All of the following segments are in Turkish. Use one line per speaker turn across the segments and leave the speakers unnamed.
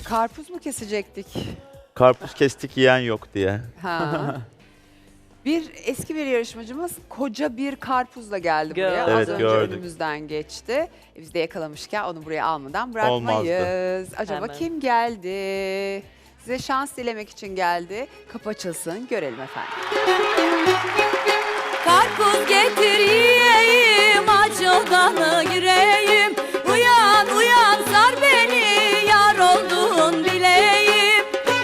Karpuz mu kesecektik?
Karpuz kestik yiyen yok diye.
Ha. Eski bir yarışmacımız koca bir karpuzla geldi buraya.
Gördüm.
Az
Evet,
önce
gördük.
önümüzden geçti. Biz de yakalamışken onu buraya almadan bırakmayız. Acaba
Hemen.
kim geldi? Size şans dilemek için geldi. Kapı açılsın, görelim efendim.
Karpuz getir yiyeyim, aç odana gireyim. Uyan uyan sar beni, yar oldun bileyim.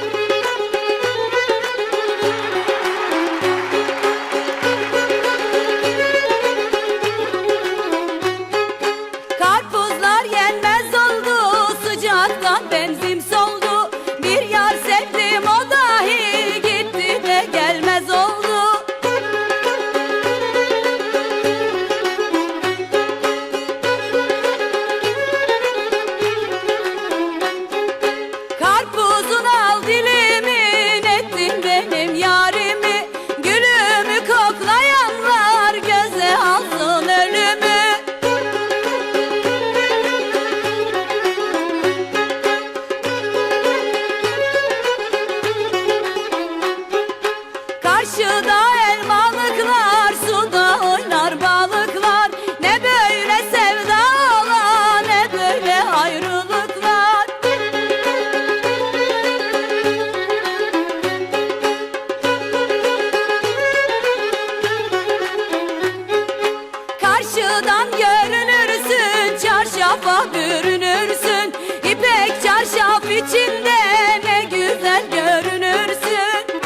Karpuzlar yenmez oldu, sıcaktan benzin soldu. Bir yar sevdim, o dahi gitti de gelmez oldu. Karpuzun al dilimin, ettin benim yarimi. Gülümü koklayanlar göze alsın ölümü. Karşıda elmalıklar, suda oynar balıklar. Ne böyle sevdalar, ne böyle ayrılıklar. Karşıdan görünürsün, çarşafa bürünürsün. İpek çarşaf içinde ne güzel görünürsün.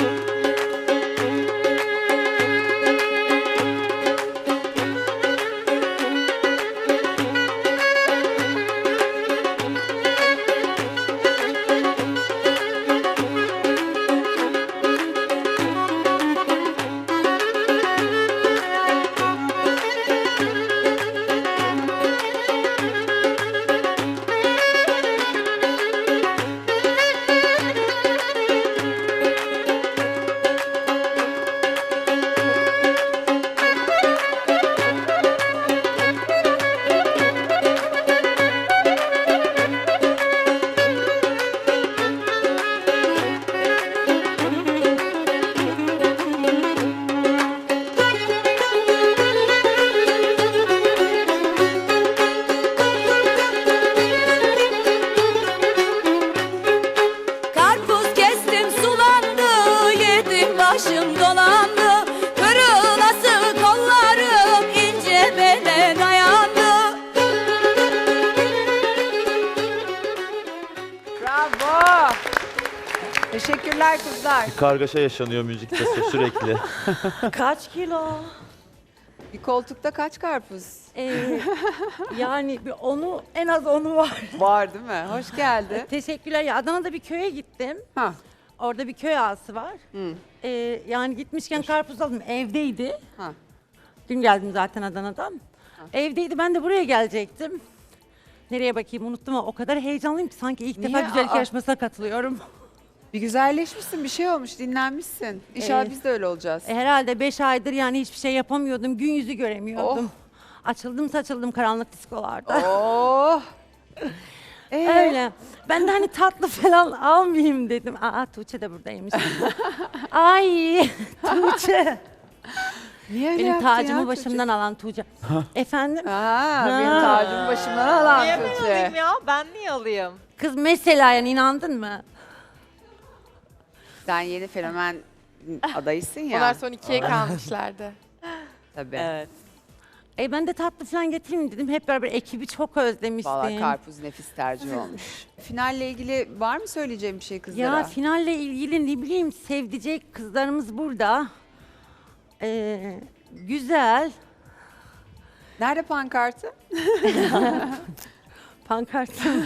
Karpuz kestim sulandı, yedim başım dolandı. Kırılası kollarım ince bele dayandı.
Bravo! Teşekkürler kızlar.
Bir kargaşa yaşanıyor müzikte sürekli.
Kaç kilo?
Bir koltukta kaç karpuz
Yani onu en az onu var.
var değil mi? Hoş geldin.
Teşekkürler. Ya Adana'da bir köye gittim.
Ha.
Orada bir köy ağası var.
Hı.
Yani gitmişken karpuz aldım. Evdeydi.
Ha.
Dün geldim zaten Adana'dan. Evdeydi. Ben de buraya gelecektim. Nereye bakayım unuttum ama o kadar heyecanlıyım ki sanki ilk defa
Niye?
güzellik
Aa.
yarışmasına katılıyorum.
Bir güzelleşmişsin, bir şey olmuş, dinlenmişsin. İnşallah
Evet.
biz de öyle olacağız.
Herhalde 5 aydır yani hiçbir şey yapamıyordum. Gün yüzü göremiyordum. Açıldım saçıldım karanlık diskolarda.
Oh!
Öyle. Ben de hani tatlı falan almayayım dedim. Aa Tuğçe de buradaymış. Ay Tuğçe.
Niye öyle
Benim
yaptın
tacımı
ya
başımdan alan Tuğçe. Efendim?
çocuk? Benim tacımı başımdan alan
Niye ben
Tuğçe.
alayım ya? Ben niye alayım?
Kız mesela yani inandın mı?
Sen yeni fenomen adayısın ya.
Onlar son ikiye kalmışlardı.
Tabii.
Evet.
Ben de tatlı falan getireyim dedim. Hep beraber ekibi çok özlemiştim.
Valla karpuz nefis tercih olmuş. Finalle ilgili var mı söyleyeceğim bir şey kızlara?
Ya finalle ilgili ne bileyim sevdicek kızlarımız burada. Güzel.
Nerede pankartı?
Pankartım.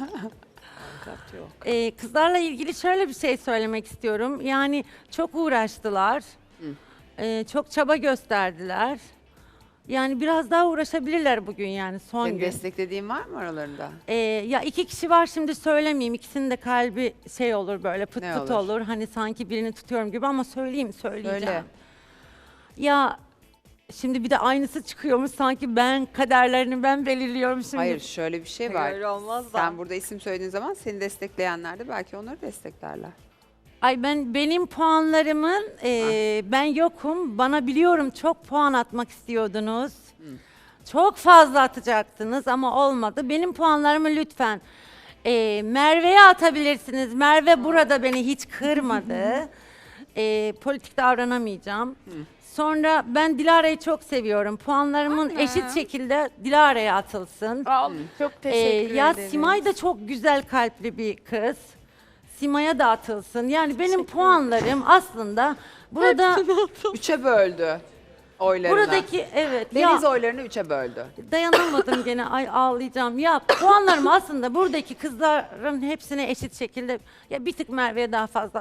Kızlarla ilgili şöyle bir şey söylemek istiyorum. Yani çok uğraştılar. Çok çaba gösterdiler. Yani biraz daha uğraşabilirler bugün yani son
Senin
gün.
desteklediğin var mı aralarında?
Ya 2 kişi var şimdi söylemeyeyim. İkisinin de kalbi şey olur böyle pıt
Ne
pıt
olur?
olur. Hani sanki birini tutuyorum gibi ama söyleyeceğim.
Söyle.
Ya Şimdi bir de aynısı çıkıyormuş sanki ben kaderlerini ben belirliyorum şimdi.
Hayır şöyle bir şey var.
Öyle olmaz da.
Sen burada isim söylediğin zaman seni destekleyenler de belki onları desteklerler.
Ay benim puanlarımın ben yokum. Bana biliyorum çok puan atmak istiyordunuz. Çok fazla atacaktınız ama olmadı. Benim puanlarımı lütfen Merve'ye atabilirsiniz. Merve burada beni hiç kırmadı. Politik davranamayacağım. Sonra ben Dilara'yı çok seviyorum. Puanlarımın eşit şekilde Dilara'ya atılsın.
Çok teşekkür
Ya
ederim.
Simay da çok güzel kalpli bir kız. Sima'ya da atılsın. Yani benim puanlarım aslında burada
Üçe böldü oylarını.
buradaki evet
Deniz
ya
oylarını üçe böldü.
dayanamadım gene ay ağlayacağım. Ya puanlarım aslında buradaki kızların hepsine eşit şekilde ya bir tık Merve'ye daha fazla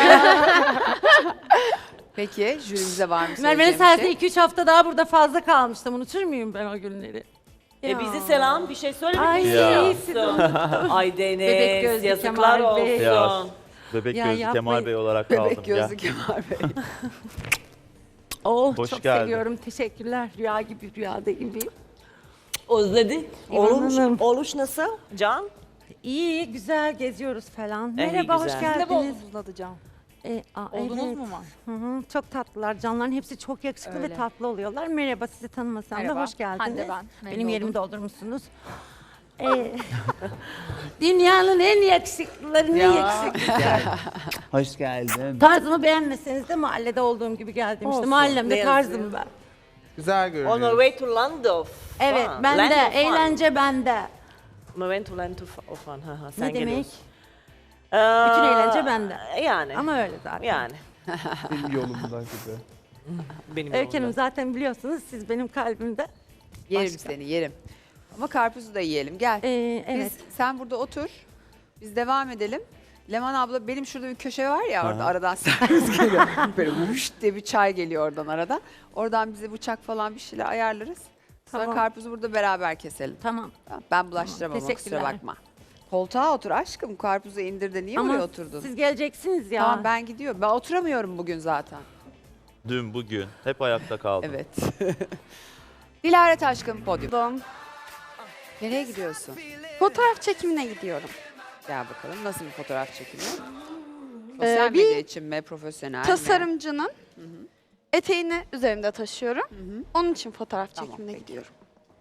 Peki jürimize var mı
Merve'nin
söyleyeceğim bir
sayesinde
şey?
2-3 hafta daha burada fazla kalmıştım. Unutur muyum ben o günleri?
Bizi selam bir şey söylemek
Ay,
istiyor
siz
musun? Ay
Bebek
Deniz
gözlü
yazıklar
Kemal Bey.
olsun.
Ya, Bebek
Ya
gözlü Kemal
yapmayın.
Bey olarak kaldım
Bebek
ya.
gözlü Kemal Bey.
Oh
Hoş
çok
geldin.
seviyorum. Teşekkürler. Rüya gibi rüyada gibi.
Özledik.
İvan Hanım.
Oluş nasıl? Can?
İyi, güzel geziyoruz falan.
İyi,
Merhaba, hoş
güzel.
geldiniz.
Uzatacağım.
Oldunuz
Evet.
mu var? Hı hı, çok tatlılar. Canların hepsi çok yakışıklı ve
Öyle.
tatlı oluyorlar. Merhaba, sizi tanımasam da
Merhaba,
hoş geldiniz.
Hande ben. Memnun
Benim yerimi
oldum.
doldurmuşsunuz. Dünyanın en yakışıklılarının
Ya.
yakışıklısı.
Hoş geldin.
Tarzımı beğenmeseniz de mahallede olduğum gibi geldim. İşte
Olsun,
mahallemde
ne
tarzım
yazıyor?
ben.
Güzel
On
görünüyor.
our way to land of
Evet,
fun.
bende.
Land of fun.
Eğlence bende.
On our way to land of fun. Ha, ha, sen
Ne demek?
geliyorsun.
Bütün eğlence bende.
Yani.
Ama öyle zaten.
Yani.
Benim yolumdan gibi.
Benim
Öykü Hanım
yolumda.
zaten biliyorsunuz siz benim kalbimde.
Yerim
Başka.
seni yerim. Ama karpuzu da yiyelim gel.
Evet.
Sen burada otur. Biz devam edelim. Leman abla benim şurada bir köşe var ya orada
Aha.
aradan servis geliyor. Böyle vuş diye bir çay geliyor oradan aradan. Oradan bize bıçak falan bir şeyler ayarlarız. Sonra
Tamam.
karpuzu burada beraber keselim.
Tamam.
Tamam, ben bulaştıramam ama kusura
teşekkürler.
bakma. Koltuğa otur aşkım. Karpuzu indir de niye
Ama
oraya oturdun?
siz geleceksiniz ya.
Tamam ben gidiyorum. Ben oturamıyorum bugün zaten.
Dün, bugün hep ayakta kaldım.
Evet. Dilara Taşkın podyum.
Pardon.
Nereye gidiyorsun?
Fotoğraf çekimine gidiyorum.
Gel bakalım nasıl bir fotoğraf çekimi? Sosyal
bir
medya için mi, profesyonel mi?
Tasarımcının eteğini üzerimde taşıyorum.
hı.
Onun için fotoğraf
Tamam,
çekimine
peki.
gidiyorum.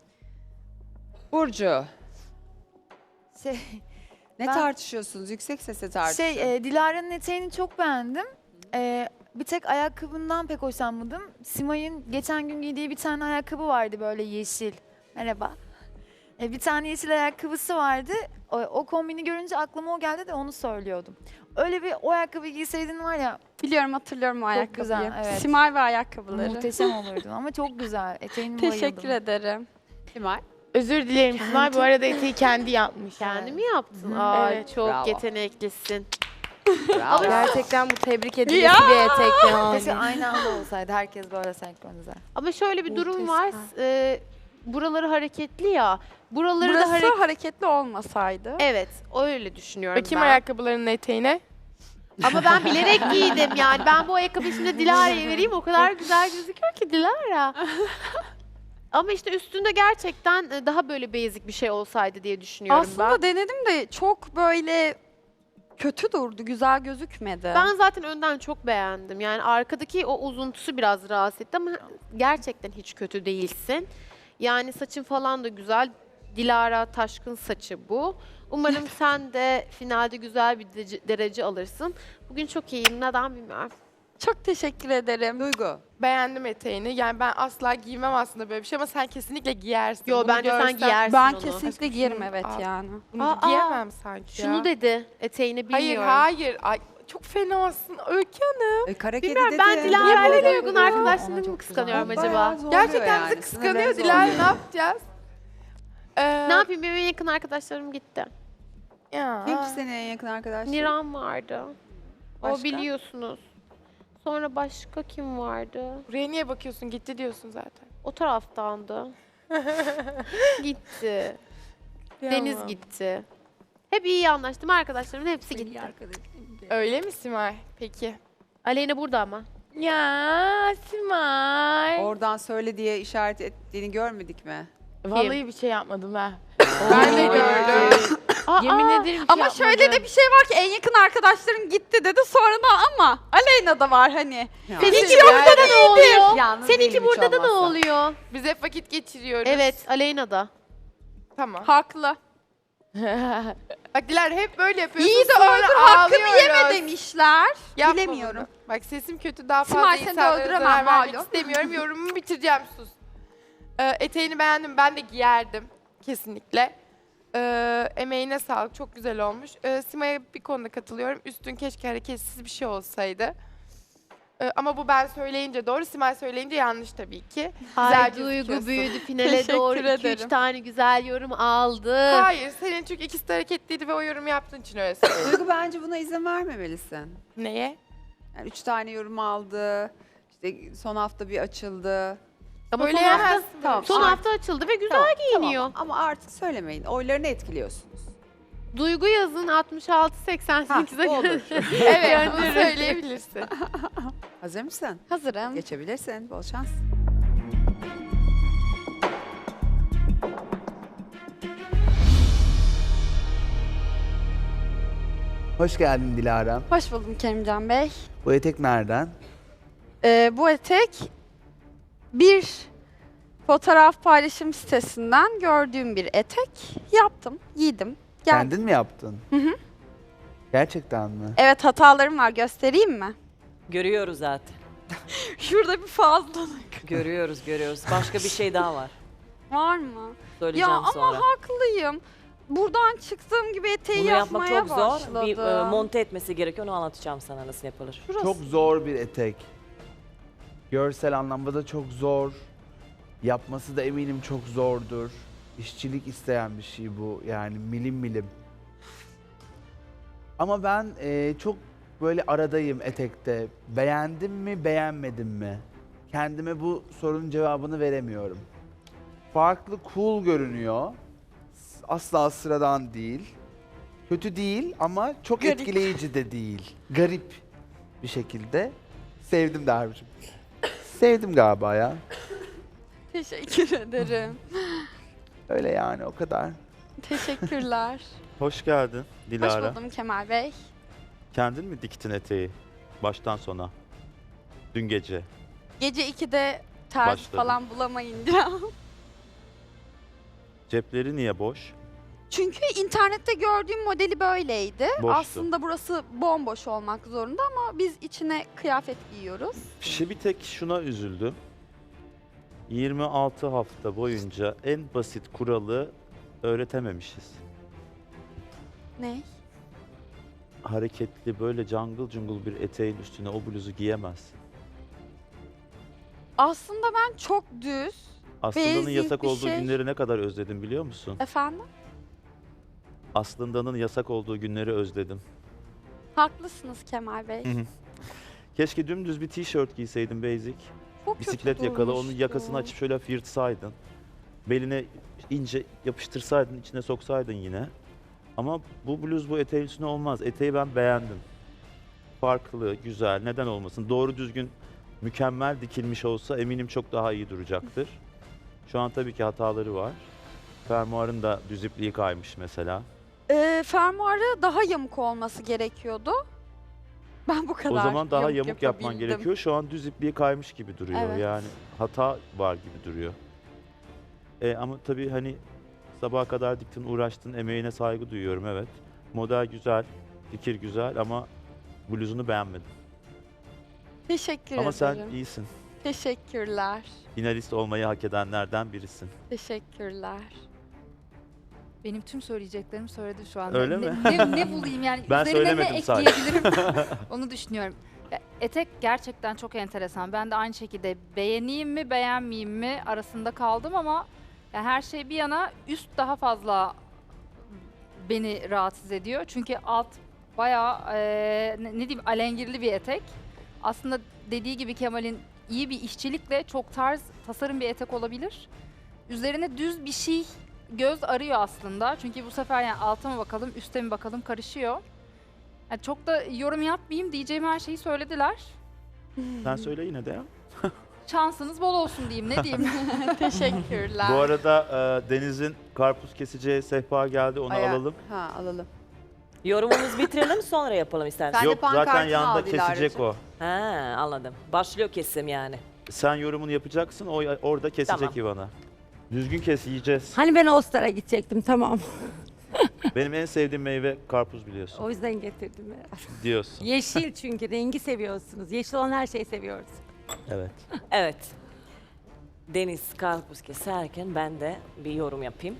Burcu,
Şey,
ne
Ben-
tartışıyorsunuz? Yüksek sesle tartışın.
Dilara'nın eteğini çok beğendim. Bir tek ayakkabından pek hoşlanmadım. Simay'ın geçen gün giydiği bir tane ayakkabı vardı böyle yeşil. Merhaba. Bir tane yeşil ayakkabısı vardı. O kombini görünce aklıma o geldi de onu söylüyordum. Öyle bir o ayakkabı giyseydin var ya
Biliyorum, hatırlıyorum o ayakkabıyı.
güzel, evet.
Simay ve ayakkabıları.
muhteşem olurdun ama çok güzel. Eteğine bayıldım.
Teşekkür ederim.
Simay.
Özür dilerim Simay, bu arada eteği kendi yapmış.
Kendi mi yaptın? Aa,
Evet.
çok
Bravo.
yeteneklisin.
Bravo.
Gerçekten bu tebrik edilesi bir etek yani.
Keşke aynı anda olsaydı. Herkes böyle senkronize.
Ama şöyle bir durum var.
Muhteşem.
Buraları hareketli ya. Buraları da
Burası hareketli olmasaydı.
Evet, öyle düşünüyorum
Bakayım
ben.
ayakkabılarının eteğine.
Ama ben bilerek giydim yani. Ben bu ayakkabıyı şimdi Dilara'ya vereyim. O kadar güzel gözüküyor ki Dilara. Ama işte üstünde gerçekten daha böyle basic bir şey olsaydı diye düşünüyorum
Aslında denedim de çok böyle kötü durdu, güzel gözükmedi.
ben zaten önden çok beğendim. Yani arkadaki o uzuntusu biraz rahatsız etti ama gerçekten hiç kötü değilsin. Yani saçın falan da güzel. Dilara Taşkın saçı bu. Umarım sen de finalde güzel bir derece alırsın. Bugün çok iyiyim. Neden bilmiyorum.
Çok teşekkür ederim.
Duygu.
Beğendim eteğini. Yani ben asla giymem aslında böyle bir şey ama sen kesinlikle giyersin.
Yo
Bunu
bence sen
görsem-
giyersin
Ben
onu.
kesinlikle
Aşkım
giyerim
şunu
evet
al.
yani.
Bunu
Aa,
giyemem sanki ya.
Şunu dedi. Eteğini
Hayır
bilmiyorum.
hayır. Ay, çok fenasın Öykü Hanım.
Kara kedi
Bilmiyorum
dedi.
ben Dilara'yla
böyle
uygun
duruyor?
arkadaşlarımı
Ona
mı
çok
kıskanıyorum
güzel.
acaba?
Bayağı zorluyor
Gerçekten
yani,
bizi
sınırları
kıskanıyor Dilara,
zorluyor.
ne yapacağız?
Ne yapayım benim en yakın arkadaşlarım gitti.
Ya.
Kim ki senin en yakın arkadaşın?
Niran vardı.
Başka?
O biliyorsunuz. Sonra başka kim vardı?
Buraya niye bakıyorsun? Gitti diyorsun zaten.
O taraftandı. Gitti. Deniz
Kıyamam.
gitti. Hep iyi anlaştım. Arkadaşlarımın hepsi gitti.
Öyle mi Simay? Peki.
Aleyna burada ama.
Ya Simay.
Oradan söyle diye işaret ettiğini görmedik mi?
Vallahi bir şey yapmadım ha. Ben de gördüm. Yemin ederim ki
Ama şöyle de bir şey var ki en yakın arkadaşlarım gitti dedi sonra da ama Aleyna da var hani.
Ya.
Seninki burada da ne oluyor?
Yalnız
Seninki
değilim hiç
burada da ne
olmazsa.
oluyor?
Biz hep vakit geçiriyoruz.
Evet, Aleyna da.
Tamam.
Haklı.
Bak Dilara hep böyle yapıyorsun.
İyi de
sonra
öldür hakkımı
ağlıyoruz.
yeme demişler.
Yapma
Bilemiyorum.
bunu. Bak sesim kötü, daha fazla
Simay, seni de
insanlara
öldüremem,
zarar vermek
malum.
istemiyorum. Yorumumu bitireceğim, sus. Eteğini beğendim, ben de giyerdim. Kesinlikle. Emeğine sağlık, çok güzel olmuş. Simay'a bir konuda katılıyorum. Üstün keşke hareketsiz bir şey olsaydı. Ama bu ben söyleyince doğru, Simay söyleyince yanlış tabii ki.
Ay
Güzel
Duygu
gözüküyorsun.
büyüdü finale
Teşekkür
doğru 2-3
ederim.
tane güzel yorum aldı.
Hayır, senin çünkü ikisi de hareketliydi ve o yorum yaptığın için öyle söylüyorum.
Duygu bence buna izin vermemelisin.
Neye?
Yani 3 tane yorum aldı. İşte son hafta bir açıldı.
Ama son
Söyleyemezsin
hafta,
böyle
Tamam,
bir
son
şey.
hafta açıldı ve güzel
Tamam,
giyiniyor.
tamam. Ama artık söylemeyin. Oylarını etkiliyorsunuz.
Duygu yazın 66-88'e
Ha, olur.
göre.
Evet, bunu söyleyebilirsin.
Hazır mısın?
Hazırım.
Geçebilirsin. Bol şans.
Hoş geldin Dilara.
Hoş buldum Kerimcan Bey.
Bu etek nereden?
Bu etek bir fotoğraf paylaşım sitesinden gördüğüm bir etek. Yaptım, giydim. Geldim.
Kendin mi yaptın?
Hı hı.
Gerçekten mi?
Evet hatalarım var göstereyim mi?
Görüyoruz zaten.
Şurada bir fazlalık
Görüyoruz. Başka bir şey daha var.
var mı?
Söyleyeceğim
Ya ama
sonra.
haklıyım. Buradan çıktığım gibi eteği
Bunu yapmak
yapmaya
çok zor.
başladım.
Bir monte etmesi gerekiyor. Onu anlatacağım sana nasıl yapılır.
Şurası.
Çok zor bir etek. Görsel anlamda da çok zor. Yapması da eminim çok zordur. İşçilik isteyen bir şey bu. Yani milim milim. Ama ben çok böyle aradayım etekte. Beğendim mi, beğenmedim mi? Kendime bu sorunun cevabını veremiyorum. Farklı, cool görünüyor. Asla sıradan değil. Kötü değil ama çok
Garip.
etkileyici de değil. Garip bir şekilde. Sevdim Derviş'im. Sevdim galiba ya.
Teşekkür ederim.
Öyle yani o kadar.
Teşekkürler.
Hoş geldin
Hoş
Dilara.
buldum Kemal Bey.
Kendin mi diktin eteği? Baştan sona. Dün gece.
Gece 2'de ters
Başladım.
falan bulamayınca.
Cepleri niye boş?
Çünkü internette gördüğüm modeli böyleydi.
Boştu.
Aslında burası bomboş olmak zorunda ama biz içine kıyafet giyiyoruz.
Bir tek şuna üzüldüm. 26 hafta boyunca en basit kuralı öğretememişiz.
Ne?
Hareketli böyle jungle jungle bir eteğin üstüne o bluzu giyemezsin.
Aslında ben çok düz.
Aslında'nın
Basic
yasak
bir
olduğu
şey.
günleri ne kadar özledim biliyor musun?
Efendim?
Aslında'nın yasak olduğu günleri özledim.
Haklısınız Kemal Bey.
Hı hı. Keşke dümdüz bir tişört giyseydin basic.
Çok kötü
Bisiklet yakalı, onun
durmuştu.
yakasını açıp şöyle hafif yırtsaydın. Beline ince yapıştırsaydın, içine soksaydın yine. Ama bu bluz bu eteğin üstüne olmaz. Eteği ben beğendim. Farklı, güzel, neden olmasın? Doğru düzgün, mükemmel dikilmiş olsa eminim çok daha iyi duracaktır. Şu an tabii ki hataları var. Fermuarın da düz ipliği kaymış mesela.
Fermuarı daha yamuk olması gerekiyordu. Ben bu kadar
O zaman daha yamuk yapman
yapabildim.
gerekiyor. Şu an düz ipliği kaymış gibi duruyor.
Evet.
Yani hata var gibi duruyor. Ama tabii hani sabaha kadar diktin, uğraştın, emeğine saygı duyuyorum evet. Model güzel, fikir güzel ama bluzunu beğenmedim.
Teşekkür
Ama
ederim.
sen iyisin.
Teşekkürler.
Finalist olmayı hak edenlerden birisin.
Teşekkürler.
Benim tüm söyleyeceklerimi söyledi şu anda.
Öyle
ne,
mi?
ne bulayım yani
Ben
üzerine ne
söylemedim sadece.
ekleyebilirim onu düşünüyorum. Ya, etek gerçekten çok enteresan. Ben de aynı şekilde beğeneyim mi beğenmeyeyim mi arasında kaldım ama ya her şey bir yana üst daha fazla beni rahatsız ediyor. Çünkü alt bayağı ne diyeyim alengirli bir etek. Aslında dediği gibi Kemal'in iyi bir işçilikle çok tarz tasarım bir etek olabilir. Üzerine düz bir şey göz arıyor aslında. Çünkü bu sefer yani alta mı bakalım, üste mi bakalım karışıyor. Yani çok da yorum yapmayayım diyeceğim her şeyi söylediler.
Sen söyle yine de ya.
Şansınız bol olsun diyeyim, ne diyeyim.
Teşekkürler.
Bu arada Deniz'in karpuz keseceği sehpa geldi, onu
Aya-
alalım.
Ha alalım.
Yorumumuzu bitirelim sonra yapalım istersen.
Sen de
Yok zaten
pankartını
yanında
al Dilara'cığım.
kesecek o.
Ha, anladım. Başlıyor kesim yani.
Sen yorumunu yapacaksın, o orada kesecek
Tamam.
İvan'a. Düzgün kes, yiyeceğiz.
Hani ben Ostar'a gidecektim, tamam.
Benim en sevdiğim meyve karpuz biliyorsun.
O yüzden getirdim herhalde.
Diyorsun.
Yeşil çünkü rengi seviyorsunuz. Yeşil olan her şeyi seviyoruz.
Evet.
Evet. Deniz karpuz keserken ben de bir yorum yapayım.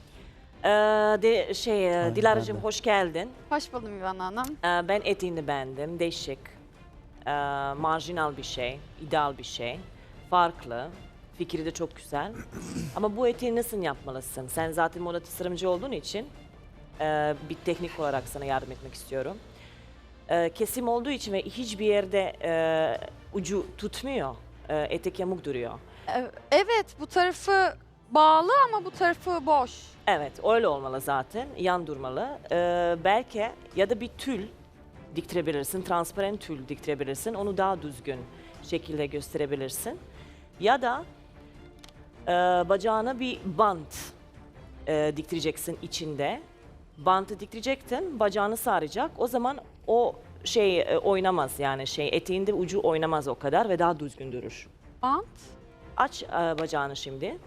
Dilara'cığım
ben de.
hoş geldin.
Hoş buldum İvan Hanım.
Ben etiğini beğendim. Değişik, marjinal bir şey, ideal bir şey, farklı. Fikri de çok güzel. Ama bu etiği nasıl yapmalısın? Sen zaten moda tasarımcı olduğun için bir teknik olarak sana yardım etmek istiyorum. Kesim olduğu için ve hiçbir yerde ucu tutmuyor. Etek yamuk duruyor.
Evet, bu tarafı bağlı ama bu tarafı boş.
Evet, öyle olmalı zaten. Yan durmalı. Belki ya da bir tül diktirebilirsin, transparan tül diktirebilirsin. Onu daha düzgün şekilde gösterebilirsin. Ya da bacağına bir bant diktireceksin içinde. Bantı diktirecektin, bacağını saracak. O zaman o oynamaz yani eteğinde ucu oynamaz o kadar ve daha düzgün durur.
Bant.
Aç bacağını şimdi.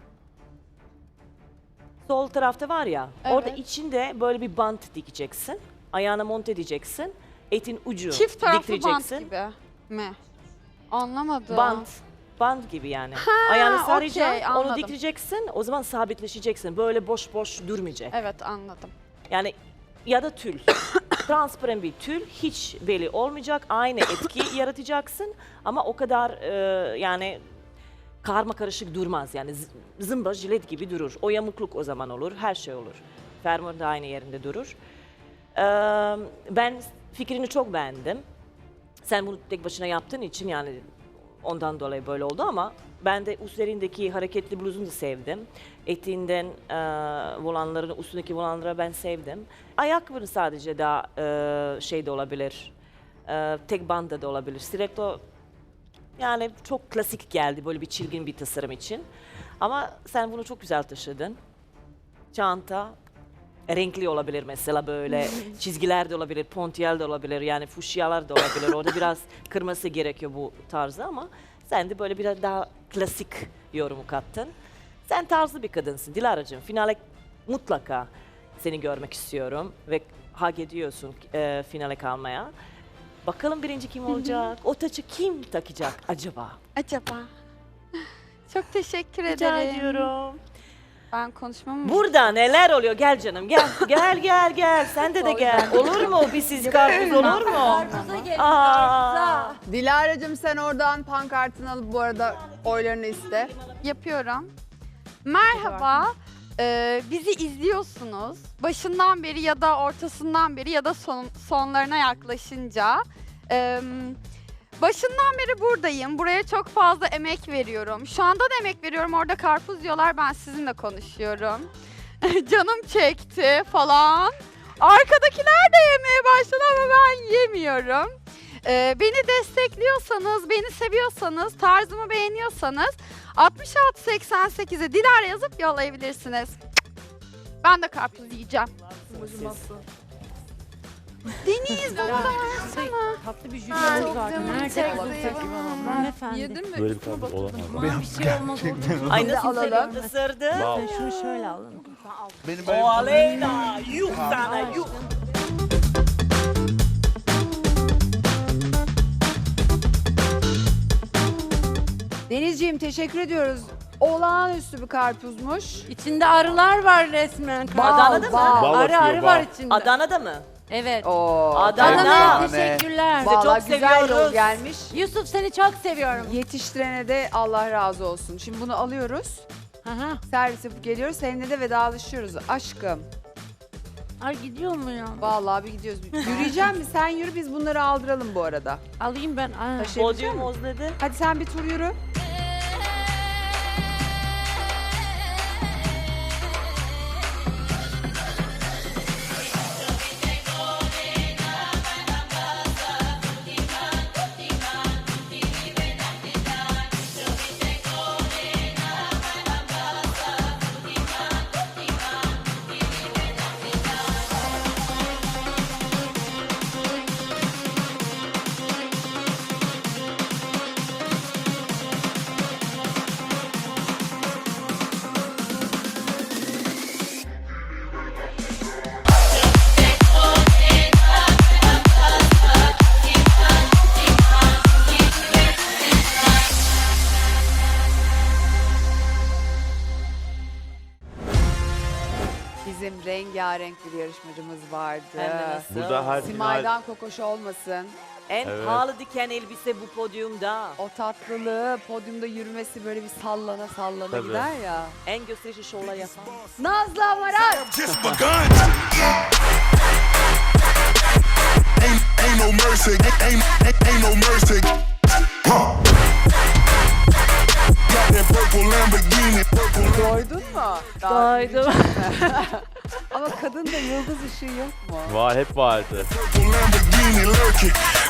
Sol tarafta var ya,
Evet.
orada içinde böyle bir bant dikeceksin. Ayağına monte edeceksin. Etin ucu
Çift taraflı bant
diktireceksin.
gibi mi? Anlamadım.
Bant gibi yani. Ayağını saracaksın,
okey,
onu
anladım.
diktireceksin. O zaman sabitleşeceksin. Böyle boş boş durmayacak.
Evet, anladım.
Yani ya da tül. Transparan bir tül, hiç belli olmayacak. Aynı etki yaratacaksın ama o kadar yani karma karışık durmaz. Yani zımba jilet gibi durur. O yamukluk o zaman olur, her şey olur. Fermuar da aynı yerinde durur. Ben fikrini çok beğendim. Sen bunu tek başına yaptığın için yani ondan dolayı böyle oldu ama ben de üzerindeki hareketli bluzunu da sevdim. Eteğinden volanların, üstündeki volanları ben sevdim. Ayakkabının sadece daha de olabilir. Tek banda da olabilir. Stiletto yani çok klasik geldi böyle bir çirkin bir tasarım için. Ama sen bunu çok güzel taşıdın. Çanta renkli olabilir mesela böyle çizgiler de olabilir, pontiyel de olabilir yani fuşyalar da olabilir. Orada biraz kırması gerekiyor bu tarzı ama sen de böyle biraz daha klasik yorumu kattın. Sen tarzlı bir kadınsın Dilara'cığım. Finale mutlaka seni görmek istiyorum ve hak ediyorsun finale kalmaya. Bakalım birinci kim olacak? O taçı kim takacak acaba?
Acaba? Çok teşekkür
Rica
ederim.
ediyorum.
Ben konuşmamı
Burada neler oluyor? Gel canım gel. Gel. Sen de gel. Olur mu? Bir siz karpuz olur mu?
Karpuza gelin,
Aa.
karpuza.
Dilara'cığım sen oradan pankartını alıp bu arada oylarını iste.
yapıyorum. Merhaba. Bizi izliyorsunuz. Başından beri ya da ortasından beri ya da sonlarına yaklaşınca. Başından beri buradayım. Buraya çok fazla emek veriyorum. Şu anda da emek veriyorum. Orada karpuz diyorlar. Ben sizinle konuşuyorum. Canım çekti falan. Arkadakiler de yemeye başladı ama ben yemiyorum. Beni destekliyorsanız, beni seviyorsanız, tarzımı beğeniyorsanız 6688'e Dilara yazıp yollayabilirsiniz. Ben de karpuz yiyeceğim. Deniz bana da versene.
Tatlı bir jülyenimiz var. Nerede hanımefendi?
Yedin mi?
Böyle bir karpuz olamaz.
Aman bir şey olmaz olur mu?
Ay nasıl
alalım.
ısırdı?
Wow.
Sen şunu şöyle alın.
Benim
O
böyle
Aleyna. Yuh sana yuh.
Denizciğim teşekkür ediyoruz. Olağanüstü bir karpuzmuş.
İçinde arılar var resmen.
Adana'da mı?
Bal
Arı
atıyor,
var
bal.
içinde.
Adana'da mı?
Evet.
Oo,
Adana.
Adana'ya
Adana.
teşekkürler.
Sizi çok
Vallahi güzel yol
seviyoruz.
gelmiş.
Yusuf seni çok seviyorum.
Yetiştirene de Allah razı olsun. Şimdi bunu alıyoruz.
Aha.
Servis yapıp geliyoruz. Seninle de vedalaşıyoruz aşkım.
Ay gidiyor mu ya?
Vallahi bir gidiyoruz. Yürüyeceğim mi? Sen yürü biz bunları aldıralım bu arada.
Alayım ben. Aa.
Taşıyabilecek
Podyum
misin?
özledi.
Hadi sen bir tur yürü. rengarenk bir yarışmacımız vardı.
Hem de nasıl?
Burada her final
Simay'dan kokoş olmasın.
En
Evet.
pahalı diken elbise bu podyumda.
O tatlılığı, podyumda yürümesi böyle bir sallana sallana
Tabii.
gider ya.
En gösterişli şovlar yapan.
Nazlı Amaral.
Just begun. Ain't no mercy. Ain't no mercy. Huh. Got that purple Lamborghini. Purple
Doydun mu?
Doydum.
Ama kadında yıldız ışığı yok mu?
var, hep vardı.
Lamborghini lurking.